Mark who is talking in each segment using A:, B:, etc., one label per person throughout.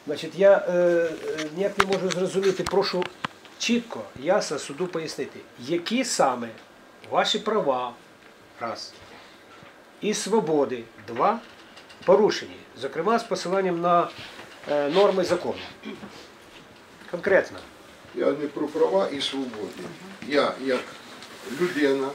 A: Значить, я ніяк не можу зрозуміти, прошу чітко, ясно суду пояснити, які саме ваші права, раз, і свободи, два, порушені, зокрема з посиланням на норми закону. Конкретно.
B: Я не про права і свободи. Я, як людина,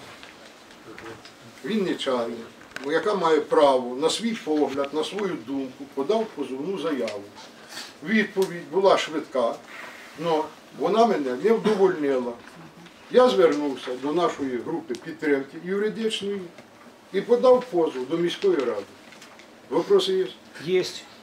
B: вінничанин, яка має право на свій погляд, на свою думку, подав позовну заяву. Відповідь була швидка, але вона мене не вдовольнила. Я звернувся до нашої групи підтримки юридичної і подав позов до міської ради. Вопроси є?
A: Є.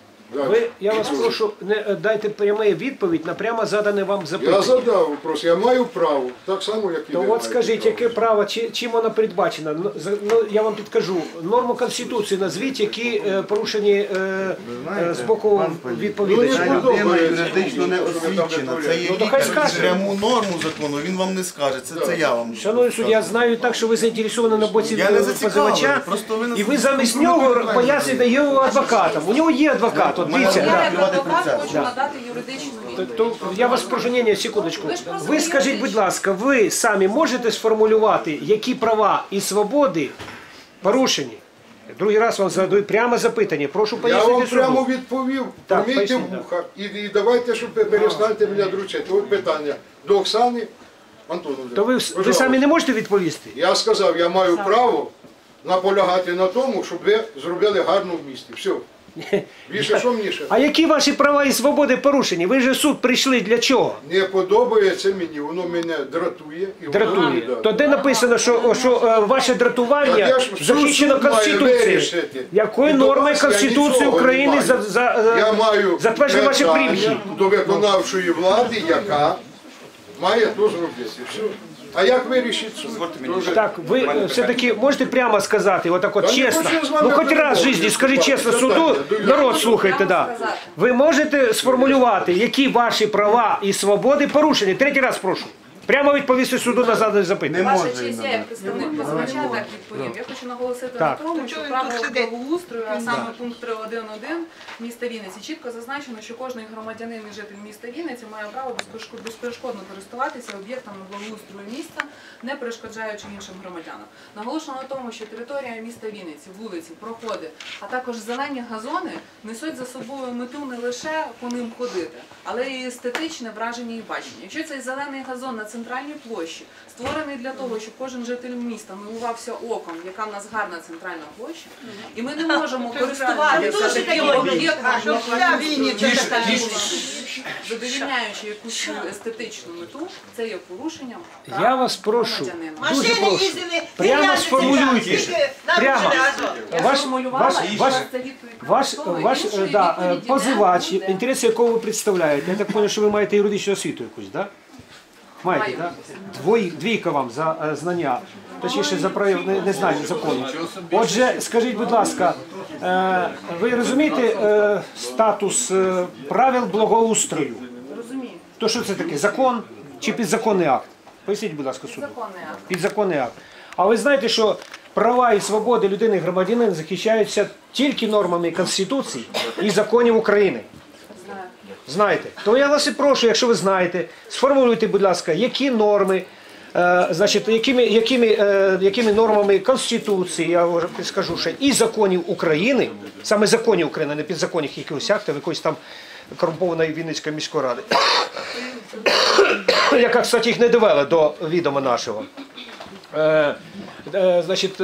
A: Я вас прошу, дайте пряму відповідь на прямо задане вам запитання.
B: Я задав вопрос, я маю право, так само, як і ви.
A: То от скажіть, яке право, чим воно передбачено? Я вам підкажу. Норму Конституції назвіть, які порушені з боку відповідача.
C: Людина юридично не освічена. Це є пряму норму закону, він вам не скаже. Це я вам.
A: Шановний суддя, я знаю так, що ви заінтересовані на боці позивача, і ви замість нього пояснюєте його адвокатам. У нього є адвокат.
D: Я як адвокат хочу надати юридичну відповідь.
A: Я вас прошу, ні, секундочку. Ви скажіть, будь ласка, ви самі можете сформулювати, які права і свободи порушені? Другий раз вам задаю прямо запитання. Прошу пояснити
B: суду. Я вам прямо
A: суду.
B: відповів. Помійте вуха і давайте, щоб перестаньте мене дручити. От питання до Оксани Антоновни.
A: То ви самі не можете відповісти?
B: Я сказав, я маю право наполягати на тому, щоб ви зробили гарно в місті. Все. Більше що мені ще?
A: А які ваші права і свободи порушені? Ви ж в суд прийшли для чого?
B: Не подобається мені, воно мене дратує.
A: Дратує. То де написано, що ваше дратування захищено Конституцією? Якою нормою Конституції України затверджує ваші примхи?
B: До виконавчої влади, яка має то зробити. Все. А як вирішить суд?
A: Так, ви все-таки можете прямо сказати, отак от чесно, ну хоч раз в житті, скажіть чесно суду, народ слухайте, да. Ви можете сформулювати, які ваші права і свободи порушені? Третій раз прошу. Прямо відповісти суду на задане запитання.
D: Ваша честь, я як представник позивача так відповім. Я хочу наголосити на тому, що правило благоустрою, а саме пункт 3.1.1 міста Вінниці, чітко зазначено, що кожен громадянин і житель міста Вінниці має право безперешкодно користуватися об'єктами благоустрою міста, не перешкоджаючи іншим громадянам. Наголошено на тому, що територія міста Вінниці, вулиці, проходи, а також зелені газони несуть за собою мету не лише по ним ходити, але й естетичне враження і бачення. Якщо цей зелений газон на центральній площі створений для того, щоб кожен житель міста милувався оком, яка в нас гарна центральна площа, і ми не можемо користуватися таким об'єктом, задовільняючи якусь естетичну мету, це є порушенням прав
A: Я вас прошу,
D: громадянина.
A: дуже прошу, прямо сформулюйте. Прямо. Ваш позивач, інтереси якого ви представляєте, я так розумію, що ви маєте юридичну освіту якусь, так? Маєте, так? Двійка вам за знання, точніше за незнання закону. Отже, скажіть, будь ласка, ви розумієте статус правил благоустрою?
D: Розумію.
A: То що це таке? Закон чи підзаконний акт? Поясніть, будь ласка, суду.
D: Підзаконний акт.
A: Підзаконний акт. А ви знаєте, що права і свободи людини і громадянина захищаються тільки нормами Конституції і законів України? Знаєте. То я вас і прошу, якщо ви знаєте, сформулюйте, будь ласка, які норми, значить, якими нормами Конституції, я вже підскажу ще, і законів України, саме законів України, не підзаконних якихось актів, якоїсь там корумпованої Вінницької міської ради, яка, кстати, їх не довела до відома нашого. Значить,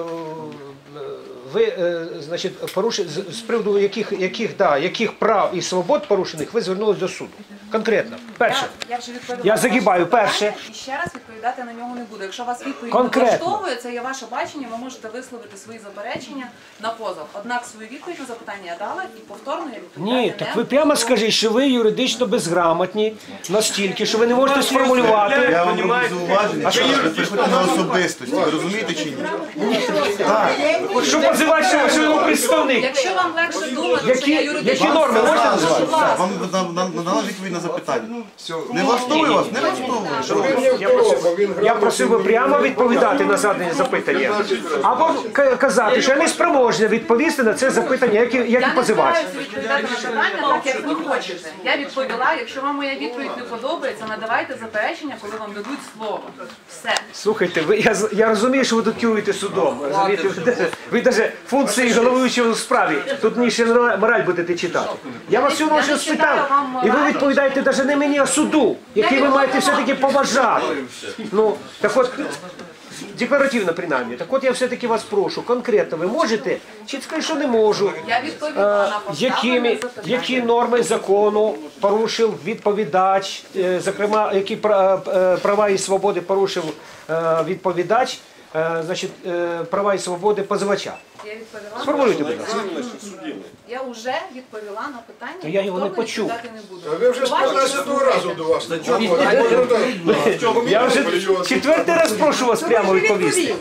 A: ви, значить, з приводу яких прав і свобод порушених ви звернулися до суду? Конкретно. Перше. Я загибаю. Перше.
D: І ще раз відповідати на нього не буду. Якщо вас відповідь
A: Конкретно.
D: не влаштовує, це є ваше бачення, ви можете висловити свої заперечення на позов. Однак свою відповідь на запитання я дала і повторно я відповідати
A: Ні, так ви прямо скажіть, що ви юридично безграмотні настільки, що ви не можете сформулювати.
C: Я вам роблю зауваження, що ви приходите на особистості. Ви розумієте чи ні?
A: Що позивач, що його представник?
D: Якщо вам легше думати, що я юридична
A: Які норми можете назвати?
C: Вам надала відповідь на запитання. Не влаштовує вас? Не влаштовує.
A: Я просив би прямо відповідати на задане запитання. Або казати, що я не спроможний відповісти на це запитання, як і
D: Я не
A: позивач.
D: збираюся відповідати на питання так, як ви хочете. Я відповіла, якщо вам моя відповідь не подобається, надавайте заперечення, коли вам дадуть слово. Все.
A: Слухайте, я розумію, що ви тут керуєте судом. Розумієте? Ви навіть функції головуючого у справі. Тут мені ще мораль будете читати. Я вас всього щось спитав, і ви відповідаєте навіть не мені, а суду, який ви маєте все-таки поважати. Ну, так от, декларативно принаймні. Так от я все-таки вас прошу, конкретно ви можете, чи скажу, що не можу.
D: Я відповіла на поставлене запитання.
A: Які норми закону порушив відповідач, зокрема, які права і свободи порушив відповідач, значить, права і свободи позивача.
D: Я відповіла.
A: Сформулюйте, будь ласка.
D: Я вже відповіла на питання,
A: Я його не
D: повторно
A: почув.
D: відповідати не буду.
B: Ви вже з 15-го разу до вас.
A: Я вже четвертий раз прошу вас прямо відповісти.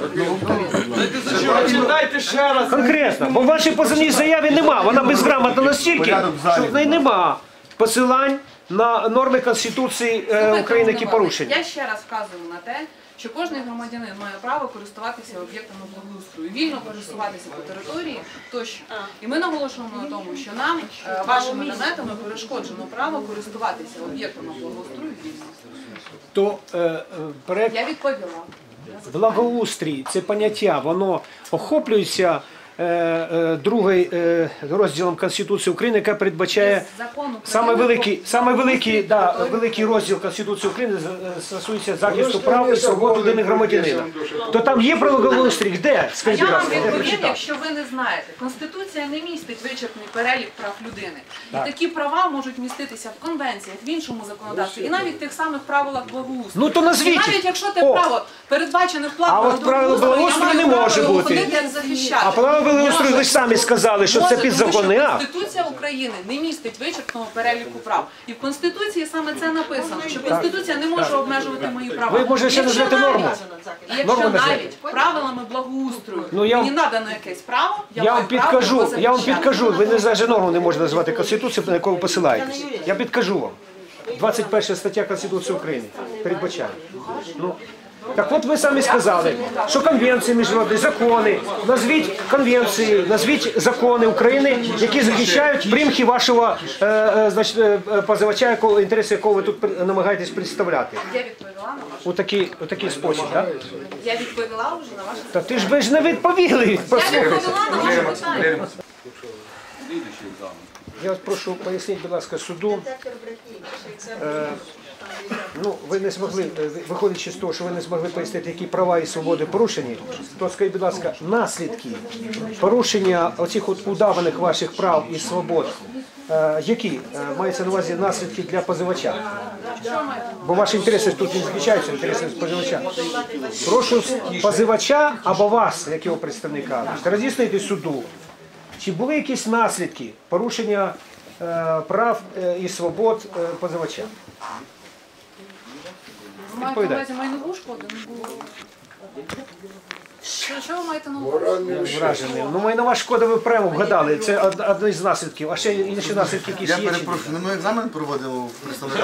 E: Дайте ще раз.
A: Конкретно, бо в вашій позивній заяві нема, вона безграмотна настільки, що в неї нема посилань на норми Конституції України, які порушені.
D: Я ще раз вказую на те, що кожен громадянин має право користуватися об'єктами благоустрою, вільно користуватися по території тощо. І ми наголошуємо на тому, що нам вашими наметами перешкоджено право користуватися об'єктами благоустрою вільно.
A: То проект
D: Я відповіла.
A: благоустрій, це поняття, воно охоплюється другим розділом Конституції України, яка передбачає саме великий розділ Конституції України стосується захисту прав і свобод людини громадянина. То там є про благоустрій? Де?
D: А
A: Скажіть,
D: я
A: будь
D: вам
A: ласка, я
D: відповім,
A: прочитав.
D: якщо ви не знаєте. Конституція не містить вичерпний перелік прав людини. І такі права можуть міститися в конвенціях, в іншому законодавстві, і навіть в тих самих правилах благоустрою.
A: Ну то назвіть.
D: І навіть якщо те
A: О.
D: право передбачене в
A: А
D: плану
A: от правило благоустрою не може бути. А право благоустрою ви ж самі сказали, що це підзаконний акт.
D: Конституція України не містить вичерпного переліку прав. І в Конституції саме це написано, що Конституція не може обмежувати мої права.
A: Ви, може, ще назвете норму?
D: Якщо
A: Норму назвете?
D: навіть правилами благоустрою
A: Ну, я
D: мені
A: вам-
D: надано якесь право,
A: Я
D: маю
A: вам
D: право
A: підкажу,
D: його
A: я вам
D: захищати.
A: підкажу, ви не за норму не можете назвати Конституцію, на яку ви посилаєтесь. Я підкажу вам. 21 стаття Конституції України передбачає. Ну, так от ви самі сказали, що конвенції міжнародні, закони, назвіть конвенції, назвіть закони України, які захищають примхи вашого позивача, інтереси якого ви тут намагаєтесь представляти.
D: Я відповіла на ваше.
A: У такий спосіб, так?
D: Я відповіла вже на ваше.
A: Та ти ж ви ж не відповіли.
D: Я відповіла на ваше питання.
A: Я вас прошу поясніть, будь ласка, суду. Ну, ви не змогли, виходячи з того, що ви не змогли пояснити, які права і свободи порушені, то скажіть, будь ласка, наслідки порушення оцих от удаваних ваших прав і свобод, які мається на увазі наслідки для позивача? Бо ваші інтереси тут не захищаються, інтереси позивача. Прошу позивача або вас, як його представника, роз'яснити суду, чи були якісь наслідки порушення прав і свобод позивача?
D: Ви маєте на увазі майнову шкоду? Не було. Що ви маєте на увазі?
A: Вражений. Ну, майнова шкода ви прямо вгадали. Це один з наслідків. А ще інші наслідки якісь
C: Я
A: є. чи ні?
C: перепрошую, ми екзамен проводимо в представниках.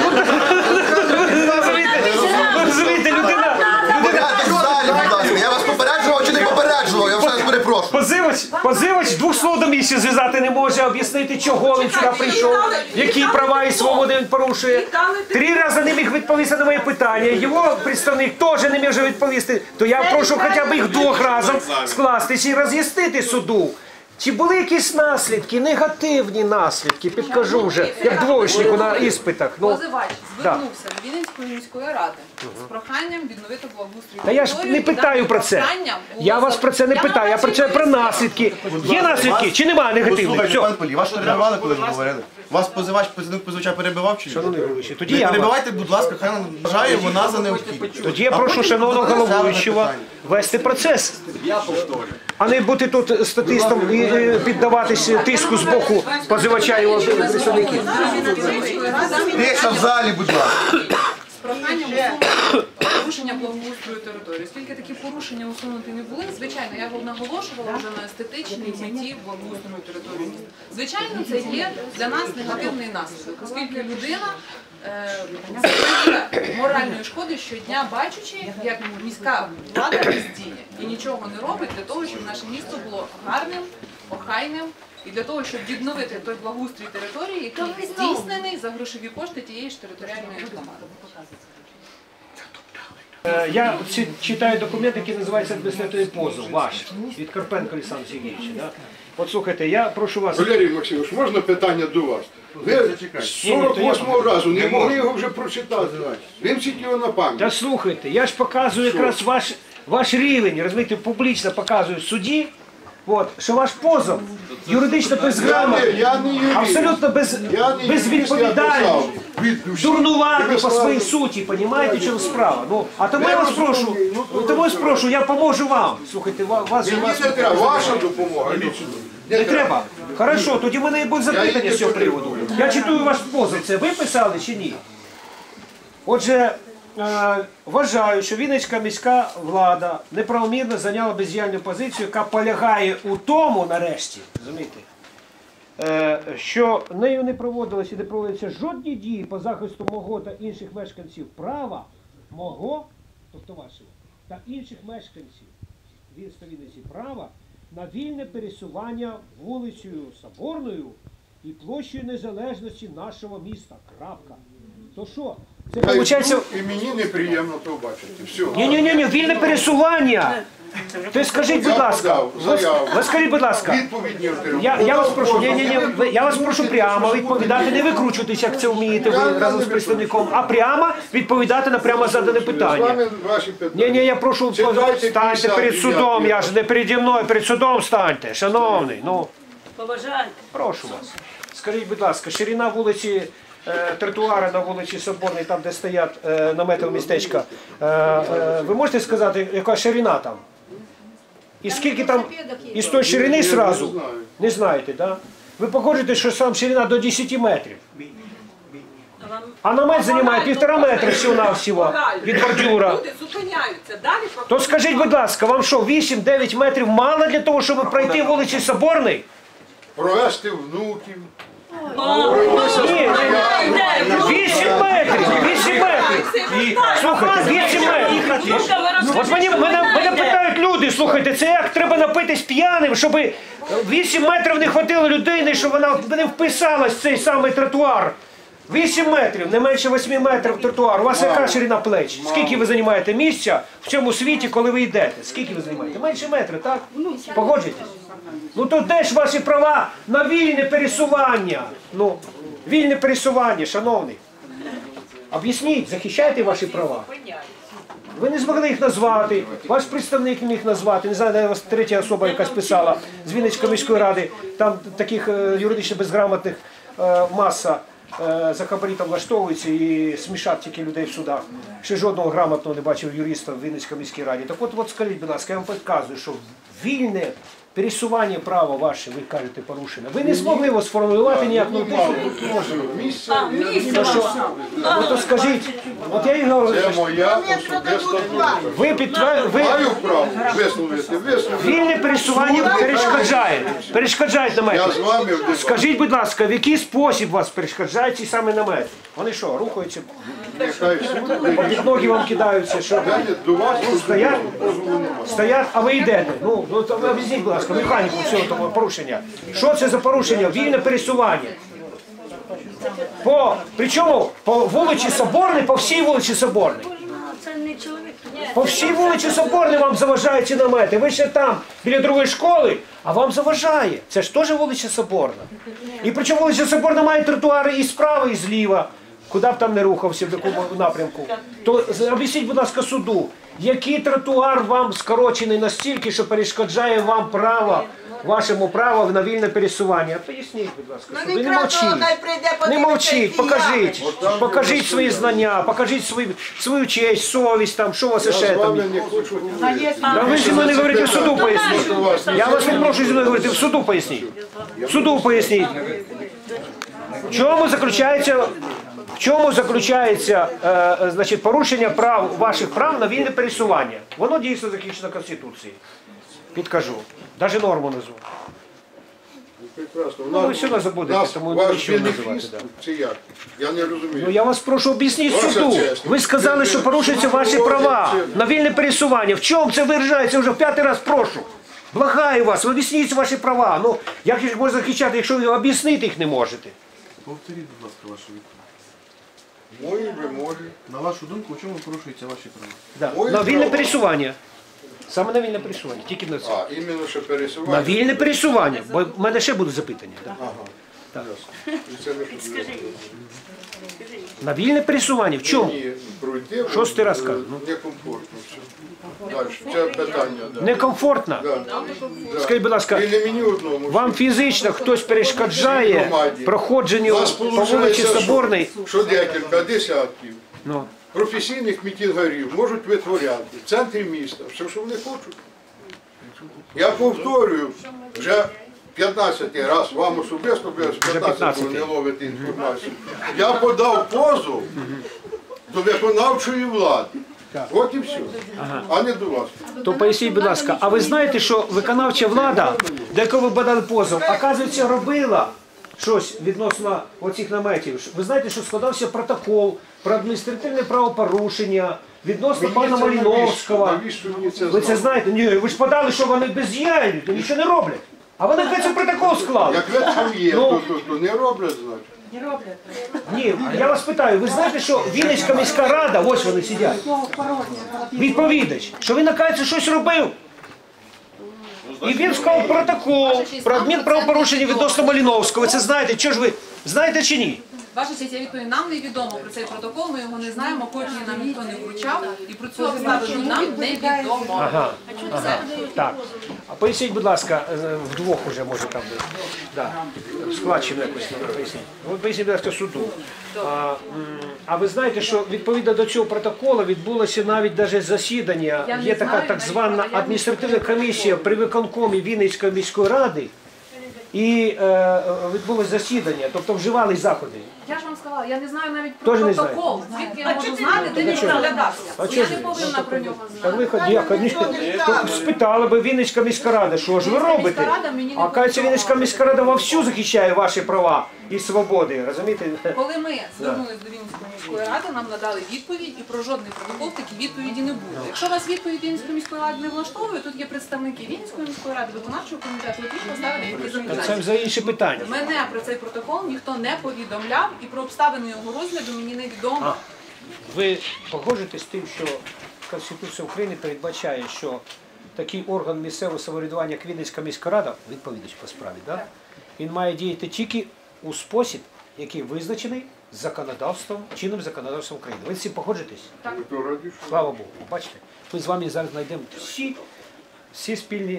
A: Розумієте, людина.
C: Порядок в залі, будь ласка. Я вас попереджував чи не попереджував? Я все перепрошую.
A: Позивач двох слов до місця зв'язати не може, об'яснити, чого він сюди прийшов, які права і свободи він порушує. 3 рази не міг відповісти на моє питання. Його представник теж не може відповісти. То я прошу хоча б їх 2 разом скластися і роз'яснити суду. Чи були якісь наслідки, негативні наслідки, підкажу вже, як двоєчнику на іспитах. Ну,
D: Позивач звернувся до Вінницької міської ради з проханням відновити благоустрій.
A: та я ж не питаю про це. Я вас про це не питаю, я про наслідки. Є наслідки чи немає негативних?
C: Послухайте,
A: Все.
C: пан Полій, вас що реагували, коли ви говорили? Вас позивач, позивача перебивав чи ні?
A: Тоді
C: Не
A: я вам.
C: перебивайте, будь ласка, хай нам вважає вона за необхідне.
A: Тоді я прошу шановного головуючого вести процес. А не бути тут статистом і піддаватися тиску з боку позивача і його представників.
C: Тиша в залі, будь ласка.
D: З проханням усунути порушення благоустрою території. Оскільки такі порушення усунути не були, звичайно, я наголошувала вже на естетичній меті благоустрою території міста. Звичайно, це є для нас негативний наслідок, оскільки людина зазнає моральної шкоди щодня, бачучи, як міська влада бездіє і нічого не робить для того, щоб наше місто було гарним, охайним, і для того, щоб відновити той благоустрій території, який здійснений за грошові кошти тієї ж територіальної громади.
A: Я читаю документ, який називається «Адміністративний позов», ваш, від Карпенка Олександра Сергійовича. Да? От слухайте, я прошу вас...
B: Валерій Максимович, можна питання до вас? Ви з 48-го разу не могли його вже прочитати. Вимчіть його на пам'ять.
A: Та слухайте, я ж показую якраз ваш рівень, розумієте, публічно показую в суді, от, що ваш позов юридично безграмотний, абсолютно безвідповідальний, дурнуватий по своїй суті, розумієте, в чому справа? Ну, а тому я вас прошу, я поможу вам. Слухайте, вас же...
B: Мені не треба, ваша допомога.
A: Не треба? Хорошо, тоді в мене і будуть запитання з цього приводу. Я читаю ваш позов, це ви писали чи ні? Отже, вважаю, що Вінницька міська влада неправомірно зайняла бездіяльну позицію, яка полягає у тому, нарешті, розумієте, що нею не проводилися і не проводяться жодні дії по захисту мого та інших мешканців права, мого, тобто вашого, та інших мешканців міста Вінниці права на вільне пересування вулицею Соборною і площею Незалежності нашого міста. Крапка. То що? Це виходить...
B: І мені неприємно то бачити. Все.
A: Ні, вільне пересування. То скажіть, будь ласка, скажіть, будь ласка, я вас прошу прямо відповідати, не викручуватися, як це вмієте ви разом з представником, а прямо відповідати на прямо задане питання. Ні, я прошу, станьте перед судом, я ж не переді мною, перед судом станьте, шановний, ну.
E: Поважайте.
A: Прошу вас. Скажіть, будь ласка, ширина вулиці, тротуари на вулиці Соборній, там, де стоять наметове містечка, ви можете сказати, яка ширина там? І скільки там, і з тої ширини зразу? Не знаєте, так? Да? Ви погоджуєте, що сам ширина до 10 метрів. А намет займає 1,5 метра всього-навсього від бордюра.
E: Люди зупиняються. Далі
A: То скажіть, будь ласка, вам що, 8-9 метрів мало для того, щоб пройти вулицю Соборний?
B: Провести внуків.
A: Ні, 8 метрів, 8 метрів. Слухайте, 8 метрів. От мене питають люди, слухайте, це як треба напитись п'яним, щоб 8 метрів не хватило людини, щоб вона не вписалась в цей самий тротуар. 8 метрів, не менше 8 метрів тротуар. У вас яка ширина плеч? Скільки ви займаєте місця в цьому світі, коли ви йдете? Скільки ви займаєте? Менше метра, так? Погоджуєтесь? Ну то де ж ваші права на вільне пересування? Ну, вільне пересування, шановний. Об'ясніть, захищайте ваші права. Ви не змогли їх назвати, ваш представник не міг назвати, не знаю, вас третя особа якась писала з Вінницької міської ради, там таких юридично безграмотних маса за хабарі там влаштовуються і смішать тільки людей в судах. Ще жодного грамотного не бачив юриста в Вінницькій міській раді. Так от скажіть, будь ласка, я вам підказую, що вільне пересування права ваше, ви кажете, порушено. Ви не змогли його сформулювати ніяк. То скажіть, от я і говорю,
B: Це моя особиста думка. Маю право висловити.
A: Вільне пересування перешкоджають намети.
B: Я з вами в дебаті.
A: Скажіть, будь ласка, в який спосіб вас перешкоджають ці самі намети? Вони що, рухаються?
B: Нехай суд.
A: Під ноги вам кидаються, що?
B: До вас
A: Стоять, а ви йдете. Ну, об'ясніть, будь ласка, механіку цього того порушення. Що це за порушення? Вільне пересування. Причому по вулиці Соборній, по всій вулиці Соборній. По всій вулиці Соборній вам заважають ці намети. Ви ще там, біля другої школи, а вам заважає. Це ж теж вулиця Соборна. І причому вулиця Соборна має тротуари і справа, і зліва. Куди б там не рухався, в якому напрямку. То об'ясніть, будь ласка, суду, який тротуар вам скорочений настільки, що перешкоджає вам право, вашому праву на вільне пересування? Поясніть, будь ласка, суду. Не мовчіть. Не мовчіть, покажіть свої знання, покажіть свою честь, совість, там, що у вас ще там. Ви зі мною не говорите, в суду поясніть. Я вас не прошу зі мною говорити, в суду поясніть. В суду поясніть. В чому заключається В чому заключається значить, порушення ваших прав на вільне пересування? Воно дійсно захищено Конституцією. Підкажу. Навіть норму назву.
B: Прекрасно.
A: Ну, ви все одно забудете, тому
B: ваш
A: нічого називати.
B: бенефіс
A: Да.
B: чи як? Я не розумію.
A: Ну я вас прошу об'ясніть
B: Ваша
A: суду.
B: честь.
A: Ви сказали, що порушуються ваші права на вільне пересування. В чому це виражається? Вже в 5-й раз прошу. Благаю вас, об'ясніть ваші права. Ну, як їх можна захищати, якщо ви об'яснити їх не можете?
C: Повторіть, будь ласка, вашу відповідь.
B: Мої вимоги.
C: На вашу думку, у чому порушуються ваші права?
A: Да.
B: Мої
A: На вільне
B: права.
A: пересування. Саме на вільне пересування, тільки на це.
B: А, іменно що пересування.
A: На вільне пересування, бо в мене ще будуть запитання. Да.
B: Ага.
A: Так.
B: І це не потрібно.
A: На вільне пересування, в чому?
B: Ні, пройти.
A: Шостий раз кажу.
B: Некомфортно все. Далі. Це питання, да.
A: Некомфортно.
B: Да.
A: Скажіть, будь ласка,
B: І не мені одному.
A: вам фізично хтось перешкоджає проходженню
B: Нас
A: по вулиці
B: виходить,
A: Соборній?
B: що декілька десятків
A: Ну.
B: професійних мітингарів можуть витворяти в центрі міста все, що вони хочуть. Я повторюю, вже 15-й раз, вам особисто, ви з 15-го не ловите інформацію. Я подав позов до виконавчої влади. От і все. А не до вас.
A: То поясніть, будь ласка, а ви знаєте, що виконавча влада, до якої ви подали позов, оказується, робила щось відносно оцих наметів? Ви знаєте, що складався протокол про адміністративне правопорушення відносно пана Маліновського.
B: Навіщо мені це
A: Ви це
B: знати?
A: знаєте? Ні, ви ж подали, що вони бездіяльні, то нічого не роблять. А вони кажуть, протокол склали.
B: Як ви там є,
A: Ну.
B: то не роблять, значить.
A: Ні, я вас питаю, ви знаєте, що Вінницька міська рада, ось вони сидять, відповідач, що він, оказується, щось робив. І він склав протокол про адмінправопорушення відносно Маліновського. Ви це знаєте, що ж ви знаєте чи ні?
D: Ваша честь, я відповім, нам не відомо про цей протокол, ми його не знаємо, копії нам ніхто не вручав, і про цю обставину нам не відомо.
A: Ага, так. А поясніть, будь ласка, вдвох уже може там бути. Да. Складчину якось поясніть. Ви поясніть, будь ласка, суду. А ви знаєте, що відповідно до цього протоколу відбулося навіть даже засідання,
D: Я не
A: є така
D: знаю,
A: так звана
D: навіть,
A: адміністративна комісія при виконкомі Вінницької міської ради, і відбулось засідання, тобто вживали заходи.
D: Я ж вам сказала, я не знаю навіть про
A: Теж не
D: протокол, звідки я можу знати, де він
A: чого?
D: розглядався.
A: А
D: Я
A: чого ж
D: не
A: ви?
D: повинна про нього
A: Так ви
D: знати.
A: спитали би Вінницька міська рада, що ж ви
D: Вінницька
A: робите?
D: міська рада мені не
A: А кажеться,
D: повідомила.
A: Вінницька міська рада вовсю захищає ваші права і свободи, розумієте?
D: Коли ми звернулися до Вінницької міської ради, нам надали відповідь, і про жодний протокол такі відповіді не було. Якщо вас відповідь Вінницької міської ради не влаштовує, тут є представники Вінницької міської ради, виконавчого комітету, от їх поставили які
A: Це
D: замовлення.
A: за інше питання.
D: Мене про цей протокол ніхто не повідомляв, і про обставини його розгляду мені невідомо.
A: Ви погоджуєтесь з тим, що Конституція України передбачає, що такий орган місцевого самоврядування, як Вінницька міська рада, відповідач по справі, да? Він має діяти тільки у спосіб, який визначений законодавством, чинним законодавством України. Ви з цим погоджуєтесь?
B: Ви то раді, що?
A: Слава Богу. Бачите, ми з вами зараз знайдемо всі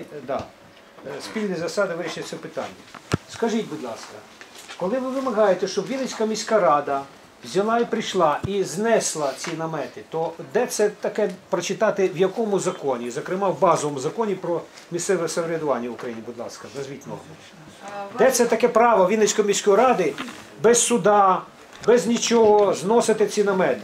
A: спільні засади вирішення цього питання. Скажіть, будь ласка, коли ви вимагаєте, щоб Вінницька міська рада взяла і прийшла і знесла ці намети, то де це таке прочитати, в якому законі? Зокрема, в базовому законі про місцеве самоврядування в Україні, будь ласка, назвіть норму. Де це таке право Вінницької міської ради без суда, без нічого зносити ці намети?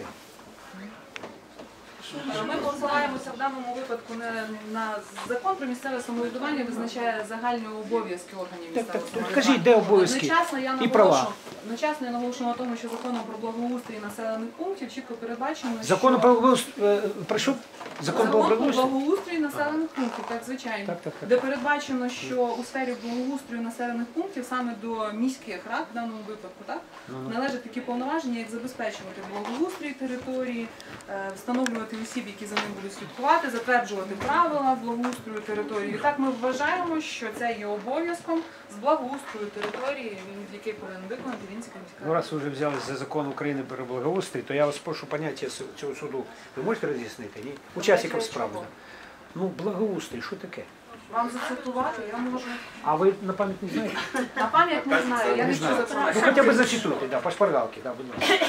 D: Ми посилаємося в даному випадку на закон про місцеве самоврядування, визначає загальні обов'язки органів місцевого самоврядування.
A: Кажіть, де обов'язки і права?
D: Одночасно я наголошую на тому, що законом про благоустрій населених пунктів чітко передбачено, що...
A: Закон про благоустрій, прошу? Закон про
D: Закон про
A: благоустрій?
D: благоустрій населених пунктів, так, звичайно.
A: Так.
D: Де передбачено, що у сфері благоустрою населених пунктів саме до міських рад, в даному випадку, так, належать такі повноваження, як забезпечувати благоустрій території, встановлювати осіб, які за ним будуть слідкувати, затверджувати правила благоустрою території. І так ми вважаємо, що це є обов'язком з благоустрою території, який повинен виконати Вінницька міська
A: Ну,
D: рада.
A: раз ви вже взялись за закон України про благоустрій, то я вас прошу поняття цього суду. Ви можете роз'яснити? Ні? Учасникам справи. Ну, благоустрій, що таке?
D: Вам зацитувати я можу.
A: А ви на пам'ять не знаєте?
D: На пам'ять не знаю, я не чую за
A: Ну хоча б зачитуйте, да, по шпаргалці, да, будь ласка.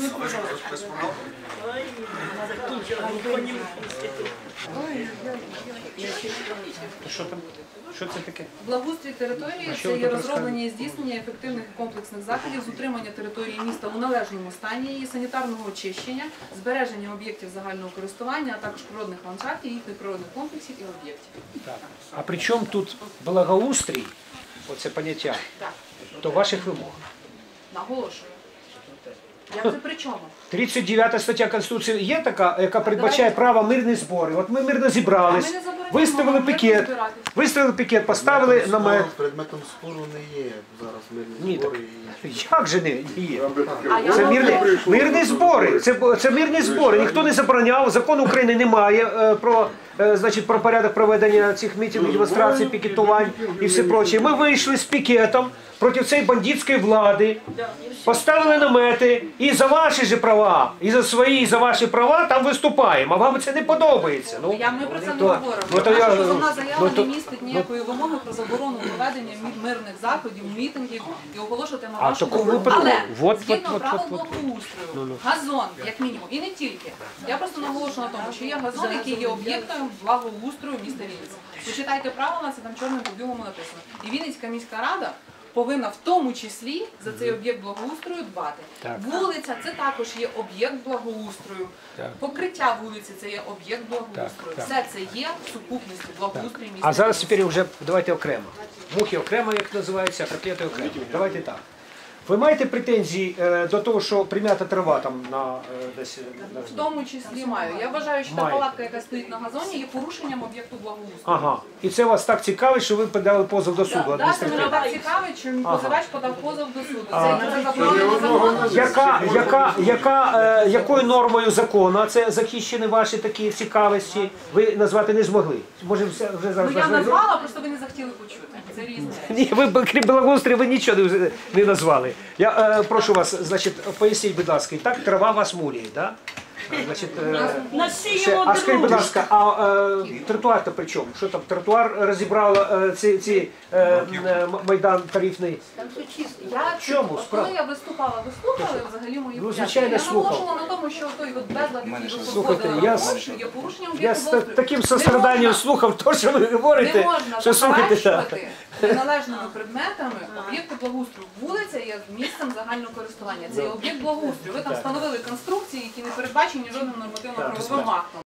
A: Що там? Що це таке?
D: Благоустрій території
A: що
D: це
A: ви
D: є
A: тут
D: розроблення і здійснення ефективних і комплексних заходів з утримання території міста у належному стані, її санітарного очищення, збереження об'єктів загального користування, а також природних ландшафтів, їхніх природних комплексів і об'єктів.
A: Так. А при чому тут благоустрій, оце поняття,
D: Так,
A: до ваших вимог?
D: наголошую. Як це при чому?
A: 39 стаття Конституції є така, яка передбачає право мирні збори. От ми мирно зібрались,
D: А ми не забороняємо
A: виставили
D: мирно
A: пікет,
D: збиратись.
A: поставили намет.
C: Предметом спору не є зараз мирні
A: Ні,
C: збори.
A: Як же не є?
D: А я
A: Це
D: вам
A: мирні збори. Це мирні збори. Ніхто не забороняв. Закону України немає про порядок проведення цих мітингів, демонстрацій, пікетувань і все проче. Ми вийшли з пікетом проти цієї бандитської влади, поставили намети і за ваші ж права, і за свої, і за ваші права там виступаємо. А вам це не подобається. Ну,
D: Ми про це не
A: то-
D: говоримо.
A: ну, то я-
D: Наша позовна заява
A: ну, то-
D: не містить ніякої вимоги про заборону проведення мирних заходів, мітингів і оголошувати на
A: А в
D: нашу
A: такому
D: думку.
A: випадку-
D: Але
A: вот,
D: згідно
A: вот,
D: правил
A: вот, вот.
D: благоустрою, газон, як мінімум, і не тільки. Я просто наголошую на тому, що є газон, який є об'єктом благоустрою міста Вінниці. Почитайте правила, це там чорним по білому написано. І Вінницька міська рада повинна в тому числі за цей об'єкт благоустрою дбати.
A: Так.
D: Вулиця це також є об'єкт благоустрою.
A: Так.
D: Покриття вулиці це є об'єкт благоустрою.
A: Так.
D: Все це є в сукупності благоустрою міста.
A: А зараз
D: Вінниці.
A: тепер вже давайте окремо. Мухи окремо, як називається, а котлети окремо. Давайте так. Ви маєте претензії до того, що прим'ята трава там на десь
D: В тому числі маю. Я вважаю, що та
A: Маєте.
D: палатка, яка стоїть на газоні, є порушенням об'єкту благоустрою.
A: Ага. І це вас так цікавить, що ви подали позов до суду
D: Да, це мене
A: адміністративного.
D: так цікавить, що позивач подав позов до суду.
A: Ага.
D: Це заборонено законом.
A: Якою нормою закону це захищені ваші такі цікавості? Ви назвати не змогли. Може, вже
D: Ну
A: зараз
D: я
A: вас
D: назвала, просто ви не захотіли почути. Це різне.
A: Ні, ви крім благоустрою, ви нічого не назвали. Я прошу вас, значить, поясніть, будь ласка, і так трава вас муляє, так? Значить,
E: Насіємо
A: а скажіть, будь
E: друг.
A: ласка, а тротуар-то при чому? Що там, тротуар розібрало Майдан тарифний? Чому?
D: Коли я виступала, ви слухали взагалі мої
A: Ну,
D: пояснення?
A: звичайно,
D: Я
A: слухав.
D: наголошувала на тому, що той от безлад, який ви
A: Слухайте,
D: проходили,
A: я
D: є порушенням
A: Я
D: об'єкту
A: з
D: благоустрою.
A: таким
D: Не
A: состраданням
D: можна-
A: слухав те, що ви говорите,
D: Не можна
A: що слухайте.
D: заперечувати неналежними предметами об'єкти благоустрою. Вулиця є місцем загального користування. Це є об'єкт благоустрою. Ви там встановили конструкції, які не передбачені жодним нормативно-правовим актом.